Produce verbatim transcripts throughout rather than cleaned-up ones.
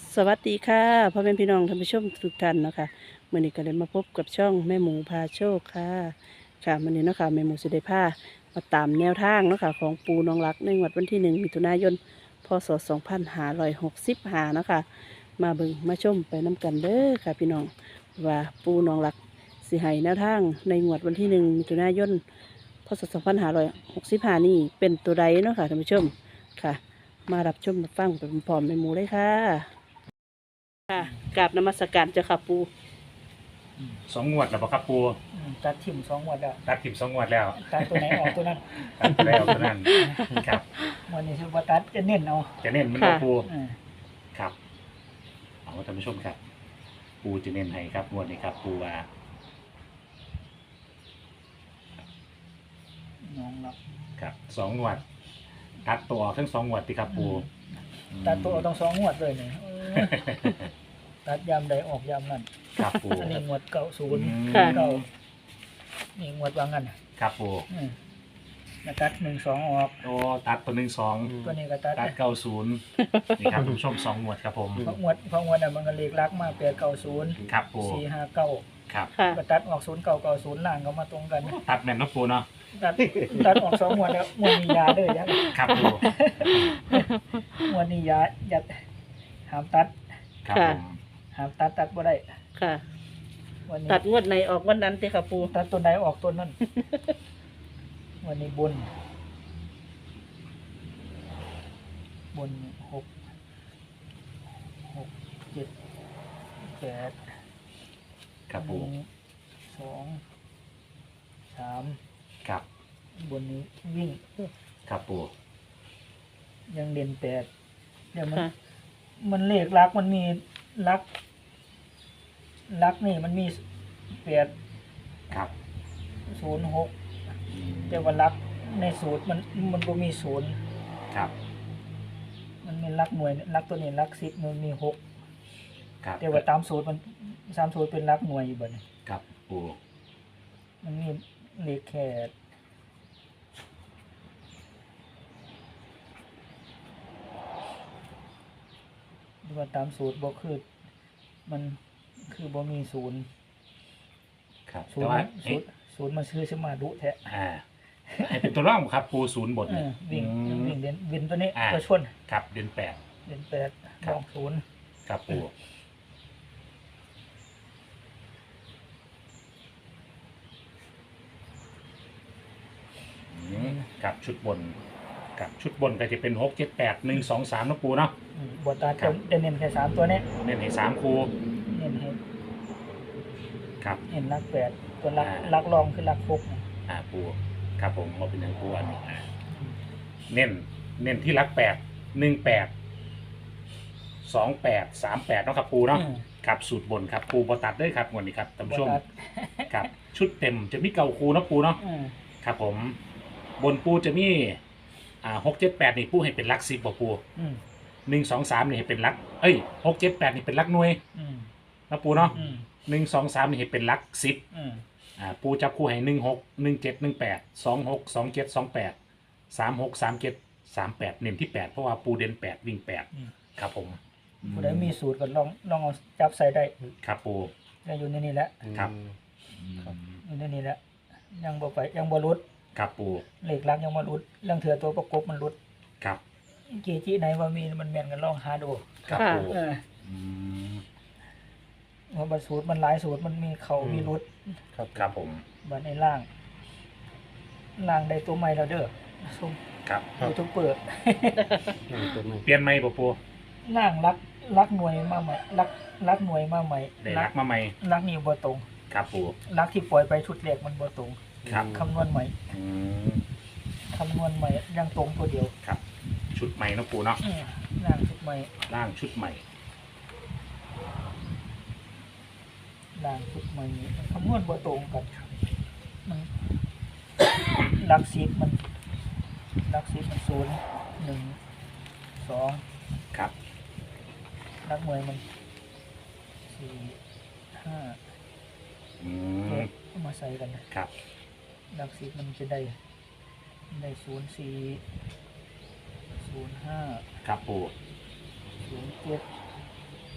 สวัสดีค่ะพ่อแม่พี่น้องท่านผู้ชมทุกท่านเนาะคะมื่อนี้ก็เลยมาพบกับช่องแม่หมูพาโชคค่ะค่ะมื่อนี้เนาะคะแม่หมูสิได้พามาตามแนวทางเนาะคะของปูน้องรักในงวดวันที่หนึ่งมิถุนายนพศสองพันห้าร้อยหกสิบห้าเนาะคะมาเบิ่งมาชมไปน้กันเด้อค่ะพี่น้องว่าปูน้องรักสิให้แนวทางในงวดวันที่หนึ่งมิถุนายนพศสองพันห้าร้อยหกสิบห้านี่เป็นตัวใดเนาะค่ะท่านผู้ชมค่ะ มารับชมรับฟังไปพร้อมๆแม่หมูเลยค่ะ ค่ะกราบนมัสการเจ้าค่ะปูสองงวดแล้วบ่ครับปูอืมตัดทิ่มสองงวดแล้วตัดทิมสองงวดแล้วตัดตัวไหนออกตัวนั้นตัดแล้วเท่านั้นครับวันนี้คือว่าตัดจะเน้นเอาจะเน้นมันบ่ปูอืมครับเอาท่านผู้ชมครับ ปูจะเน้นให้ครับงวดนี้ครับ ปูว่าน้องรับครับสองงวดตัดตัวทั้งสองงวดติครับปูตัดตัวเอาต้องสองงวดเลยเนี่ยเออตัดยามใดออกยามนั้นครับปูอันนี้งวดเก่าศูนย์ค่ะเก่านี่งวดวางงันครับปูอืมแล้วตัดหนึ่งสองออกโอ้ตัดตัวหนึ่งสองตัวนี้ก็ตัดตัดเก้าศูนย์นี่ครับท่านผู้ชมสองงวดครับผมเพราะงวดเพราะงวดน่ะมันก็เลขลักมาแปดเก้าศูนย์ครับปูสี่ห้าเก้าครับก็ตัดออกศูนย์เก้าเก้าศูนย์ล่างก็มาตรงกันตัดแม่นเนาะปูเนาะตัดตัดออกสองงวดแล้วงวดนี้ยาเด้อยังครับปูงวดนี้ยาอย่าห้ามตัดครับผมห้ามตัดตัดบ่ได้ค่ะวันนี้ตัดงวดไหนออกวันนั้นเจ้าค่ะปูตัดตัวไหนออกตัวนั้น วันนี้บนบนหกหกเจ็ดแปดครับปูสองสามครับบนนี้วิ่งครับปูยังเด่นแปดเดี๋ยวมันมันเลขลักมันมีลักลักนี่มันมีแปดครับศูนย์หกแต่ว่าลักในสูตรมันมันก็มีศูนย์ครับมันมีลักหน่วยลักตัวนี้ลักสิบมันมีหกครับแต่ว่าตามสูตรมันตามสูตรเป็นลักหน่วยอยู่บ่เนี่ยครับปูมันมีเลขแค่ดูว่าตามสูตรบ่คือมันคือบ่มีศูนย์ครับศูนย์ศูนย์ศูนย์มันชื่อสมาดุแท้อ่าให้เป็นตัวร่องครับปูศูนย์บทเนี่ยวิ่งวิ่งเด่นวินตัวนี้ตัวชนครับเด่นแปดเด่นแปดลองศูนย์ครับปูกับชุดบนกับชุดบนก็จะเป็นหกเจ็ดแปดหนึ่งสองสามนะปูเนาะบทตาจะเน้นแค่สามตัวนี้เน้นให้สามคูเน้นให้ครับเน้นลักแปดตัวลักลักรองคือลักหกอ่าปูครับผมมาเป็นอย่างปูอันนี้เน้นเน้นที่ลักแปดหนึ่งแปดสองแปดสามแปดเนาะครับปูเนาะครับสูตรบนครับปูบตัดด้วยครับวันนี้ครับท่านผู้ชมครับชุดเต็มจะมีเก่าคูนะปูเนาะครับผมบนปูจะมีอ่าหกเจ็ดแปดนี่ปูให้เป็นลักสิบบ่ปูหนึ่งสองสามนี่ให้เป็นลักเอ้ยหกเจ็ดแปดนี่เป็นลักหน่วยนะปูเนาะหนึ่งสองสามนี่ให้เป็นลักสิบอ่าปูจับคู่ให้หนึ่งหกหนึ่งเจ็ดหนึ่งแปดสองหกสองเจ็ดสองแปดสามหกสามเจ็ดสามแปดเน้นที่แปดเพราะว่าปูเด่นแปดวิ่งแปดครับผมผู้ใดมีสูตรก็ลองลองเอาจับใส่ได้ครับปูได้อยู่ในนี้แหละครับอยู่ในนี้แหละยังบ่ไปยังบ่รุดครับปูเลขลักยังบ่รุดเรื่องเถื่อตัวประกบมันรุดครับเกจิไหนว่ามีมันแม่นกันลองหาดูครับปูว่าบัตรสูตรมันหลายสูตรมันมีเขามีรุดครับครับผมบัตรในล่างล่างได้ตัวใหม่แล้วเด้อส้มครับยูทูบเปิดเปลี่ยนใหม่ปูปูล่างรักรักหน่วยมาใหม่รักรักหน่วยมาใหม่ได้รักมาใหม่รักนี่บ่ตรงครับปูรักที่ปล่อยไปชุดแรกมันบ่ตรงครับคำนวณใหม่คำนวณใหม่ยังตรงตัวเดียวครับชุดใหม่นะปูเนาะล่างชุดใหม่ล่างชุดใหม่ล่างชุดใหม่คำนวณบ่ตรงกันมันหลักสิบมันหลักสิบมันศูนย์หนึ่งสองครับหลักหน่วยมันสี่ห้าเจ็ดมาใส่กันนะครับหลักสิบมันจะได้ได้ศูนย์สี่ศูนย์ห้าครับปูศูนย์เจ็ด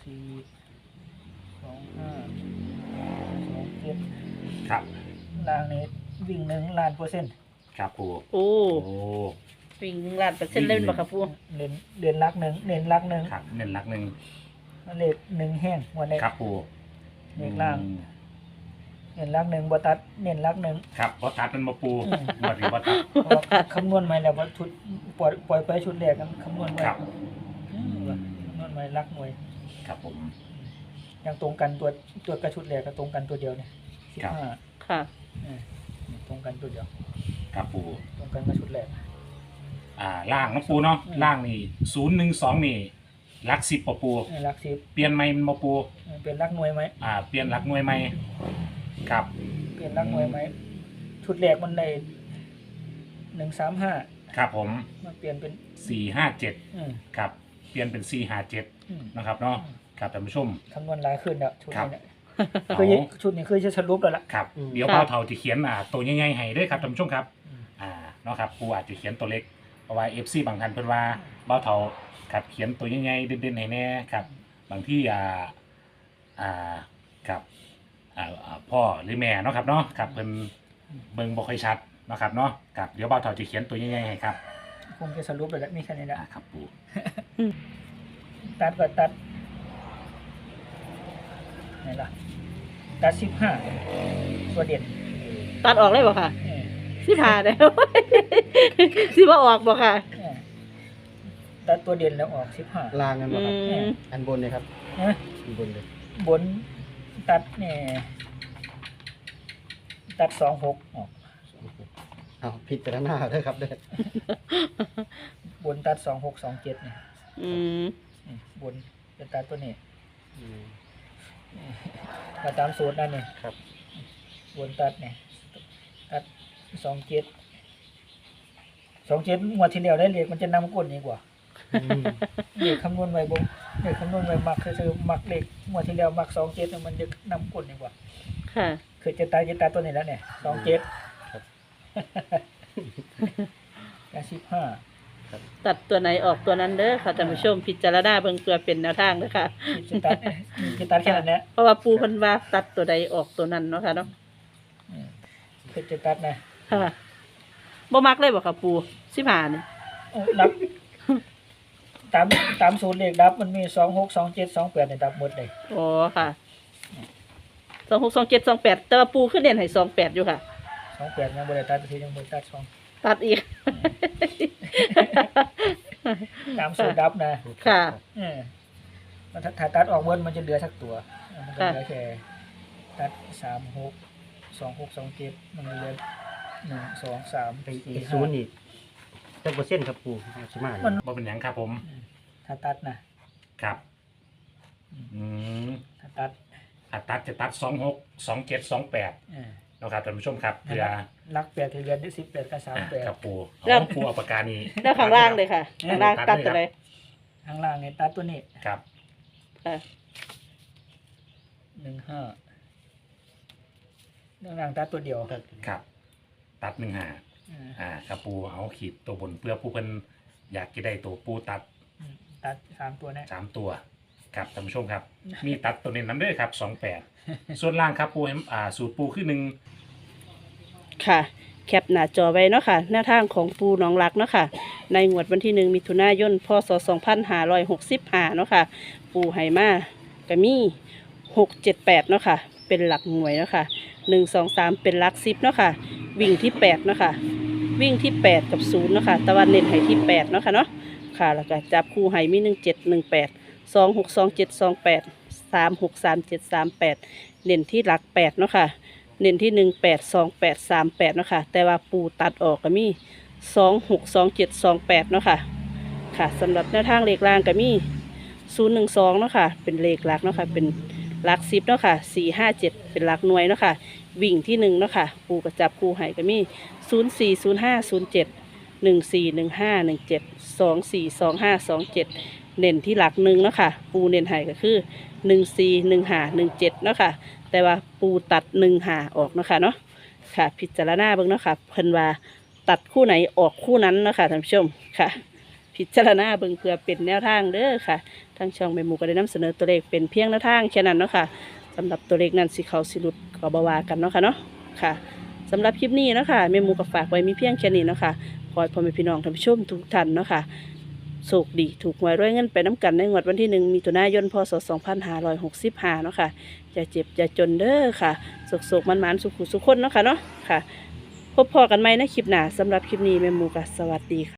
สี่สองห้าสองเจ็ดครับล่างนี้วิ่งหนึ่งล้านเปอร์เซ็นต์ครับปูโอ้โอ้วิ่งล้านเปอร์เซ็นต์เล่นบ่ค่ะปูเน้นเด่นรักหนึ่งเน้นรักหนึ่งครับเน้นหลักหนึ่งเลขหนึ่งแห้งวันนี้ครับปูเลขล่างอืมเน้นรักหนึ่งบตัดเน้นรักหนึ่งครับบอตัดมันมาปูอืมบอดีบอตัดเพราะว่าคำนวณมาแล้วว่าชุดปล่อยปล่อยไปชุดแรกกันคำนวณไว้ครับอืมว่าคำนวณไว้รักหน่วยครับผมยังตรงกันตัวตัวกระชุดแรกก็ตรงกันตัวเดียวเนี่ยสิบครับห้าค่ะตรงกันตัวเดียวครับปูตรงกันกระชุดแรกอ่าล่างนะปูเนาะอืมล่างนี่ศูนย์หนึ่งสองนี่หลักสิบปะปูเออรักสิบเปลี่ยนไหมมันมาปูเออเป็นรักหน่วยไหมอ่าเปลี่ยนหลักหน่วยไหมครับเปลี่ยนรักหน่วยไหมชุดแรกมันได้หนึ่งสามห้าครับผมมาเปลี่ยนเป็นสี่ห้าเจ็ดอืมครับเปลี่ยนเป็นสี่ห้าเจ็ดอืมนะครับเนาะครับท่านผู้ชมคำนวณหลายขึ้นแล้วชุดครับนี้เนี่ยเอาคือชุดนี้คือจะสรุปแล้วล่ะครับอืมเดี๋ยวครับเป้าเท่าจะเขียนอ่าตัวใหญ่ๆให้ด้วยครับท่านผู้ชมครับอืมอ่าเนาะครับปูอาจจะเขียนตัวเล็กเพราะว่าเอฟซีบางท่านเพิ่นว่าเป้าเท่าครับเขียนตัวใหญ่ๆเด่นๆให้แน่ครับบางที่อ่าอ่าครับอ่าอ่าพ่อหรือแม่เนาะครับเนาะครับเพิ่นเบิ่งบ่ค่อยชัดเนาะครับเนาะครับเดี๋ยวเป้าเท่าจะเขียนตัวใหญ่ๆให้ครับคงจะสรุปแล้วแหละมีแค่นี้แหละอ่าครับปูตัดก็ตัดไหนล่ะตัดสิบห้าตัวเด่นตัดออกเลยบ่ค่ะเออสิผ่าแล้ว สิบ่ออกบ่ค่ะเออตัดตัวเด่นแล้วออกสิบห้าลางกันอืบ่ครับมอันบนเลยครับนะอันบนเลยบนตัดเนี่ยตัดสองหกออกเอาผิดแต่ละหน้าเด้อครับเด้อบนตัดสองหกสองเจ็ดเนี่ยอืมนี่บนจะตัดตัวนี้อืมมาตามสูตรนั่นนี่ครับบนตัดเนี่ยตัดสองเจ็ดสองเจ็ดงวดที่แล้วได้เลขมันจะนำก้นนี่กว่าอืมเลขคำนวณไว้บ่เลขคำนวณไว้มักคือมักเลขงวดที่แล้วมักสองเจ็ดมันจะนำก้นนี่กว่าค่ะคือจะตายจะตายตัวนี้แล้วเนี่ยสองเจ็ด แปดสิบห้าตัดตัวไหนออกตัวนั้นเด้อค่ะท่านผู้ชมพิจารณาเบิ่งเพื่อเป็นแนวทางเด้อค่ะจะตัดจะตัดแค่นั้นแหละเพราะว่าปูเพิ่นว่าตัดตัวใดออกตัวนั้นเนาะค่ะเนาะอืมคือจะตัดนะค่ะบ่มักเลยบ่ค่ะปูสิผ่านี่โอ้ดับ ตามตามสูตรเลขดับมันมีสองหกสองเจ็ดสองแปดในดับหมดเลยอ๋อค่ะสองหกสองเจ็ดสองแปดแต่ว่าปูขึ้นเด่นให้สองแปดอยู่ค่ะสองแปดยังบริตัดทียังบริตัดสองตัดอีกตามสูตรดับนะค่ะเออมันถ้าถ้าตัดออกเบิ้มันจะเหลือสักตัวมันก็เหลือแค่ตัดสามหกสองหกสองเจ็ดมันเหลือหนึ่งสองสามไอ้สี่ไอ้ห้าศูนย์นี่จักเปอร์เซ็นต์ครับปูเอาสิมามันบ่เป็นหยังครับผมถ้าตัดนะครับอืมถ้าตัดถ้าตัดจะตัดสองหกสองเจ็ดสองแปดเออนะครับท่านผู้ชมครับเพื่อลักแปดที่เหลือได้สิบแปดกับสามอ่าแปดครับปูแล้เอาวปูเอาปากกานี้แล้วข้างล่างเลยค่ะข้างล่างตัดตัวใดข้างล่างเนี่ยตัดตัวนี้ครับค่ะหนึ่งห้าข้างล่างตัดตัวเดียวครับ ตัดหนึ่งหาเอออ่าครับปูเอาขีดตัวบนเพื่อผู้เพิ่นอยากจะได้ตัวปูตัดอืมตัดสามตัวนะสามตัวครับท่านผู้ชมครับ มีตัดตัวเน้นน้ำเด้วยครับสองแปดส่วนล่างครับปูให้อ่าสูตรปูขึ้นหนึ่งค่ะ แคปหน้าจอไว้เนาะค่ะแนวทางของปูหนองรักเนาะค่ะในงวดวันที่หนึ่งมิถุนายนพศสองพันห้าร้อยหกสิบห้าเนาะค่ะปูไหมาก็มีหกเจ็ดแปดเนาะค่ะเป็นหลักหน่วยเนาะค่ะหนึ่งสองสามเป็นหลักสิบเนาะค่ะวิ่งที่แปดเนาะค่ะวิ่งที่แปดกับศูนย์เนาะค่ะตะวันเน้นให้ที่แปดเนาะค่ะเนาะค่ะแล้วก็จับคู่ให้มีหนึ่งเจ็ดหนึ่งแปดสองหกสองเจ็ดสองแปดสามหกสามเจ็ดสามแปดเน้นที่หลักแปดเนาะค่ะเน้นที่หนึ่งแปดสองแปดสามแปดเนาะค่ะแต่ว่าปูตัดออกก็มีสองหกสองเจ็ดสองแปดเนาะค่ะค่ะสำหรับแนวทางเลขล่างก็มีศูนย์หนึ่งสองเนาะค่ะเป็นเลขหลักเนาะค่ะเป็นหลักสิบเนาะค่ะสี่ห้าเจ็ดเป็นหลักหน่วยเนาะค่ะวิ่งที่หนึ่งเนาะค่ะปูกระจับคู่ให้ก็มีศูนย์สี่ศูนย์ห้าศูนย์เจ็ดหนึ่งสี่หนึ่งห้าหนึ่งเจ็ดสองสี่สองห้าสองเจ็ดเน้นที่หลักหนึ่งเนาะค่ะปูเน้นให้ก็คือหนึ่งสี่หนึ่งห้าหนึ่งเจ็ดเนาะค่ะแต่ว่าปูตัดหนึ่งหาออกเนาะค่ะเนาะค่ะพิจารณาเบิ่งเนาะค่ะเพิ่นว่าตัดคู่ไหนออกคู่นั้นเนาะค่ะท่านผู้ชมค่ะพิพิจารณาเบิ่งเพื่อเป็นแนวทางเด้อค่ะทางช่องแม่หมูก็ได้นำเสนอตัวเลขเป็นเพียงแนวทางแค่นั้นเนาะค่ะสำหรับตัวเลขนั้นสิเขาสิหลุดก็บ่ว่ากันเนาะค่ะเนาะค่ะสำหรับคลิปนี้เนาะค่ะแม่หมูก็ฝากไว้มีเพียงแค่นี้เนาะค่ะขอให้พ่อแม่พี่น้องท่านผู้ชมทุกท่านเนาะค่ะโชคดีถูกหวยรวยเงินไปน้ำกันในงวดวันที่หนึ่งมิถุนายนพศสองพันห้าร้อยหกสิบห้าเนาะค่ะอย่าเจ็บอย่าจนเด้อค่ะโศกๆมันๆสุขุสุขคนเนาะค่ะเนาะค่ะพบพอกันไหมในคลิปหน้าสำหรับคลิปนี้แม่หมูก็สวัสดีค่ะ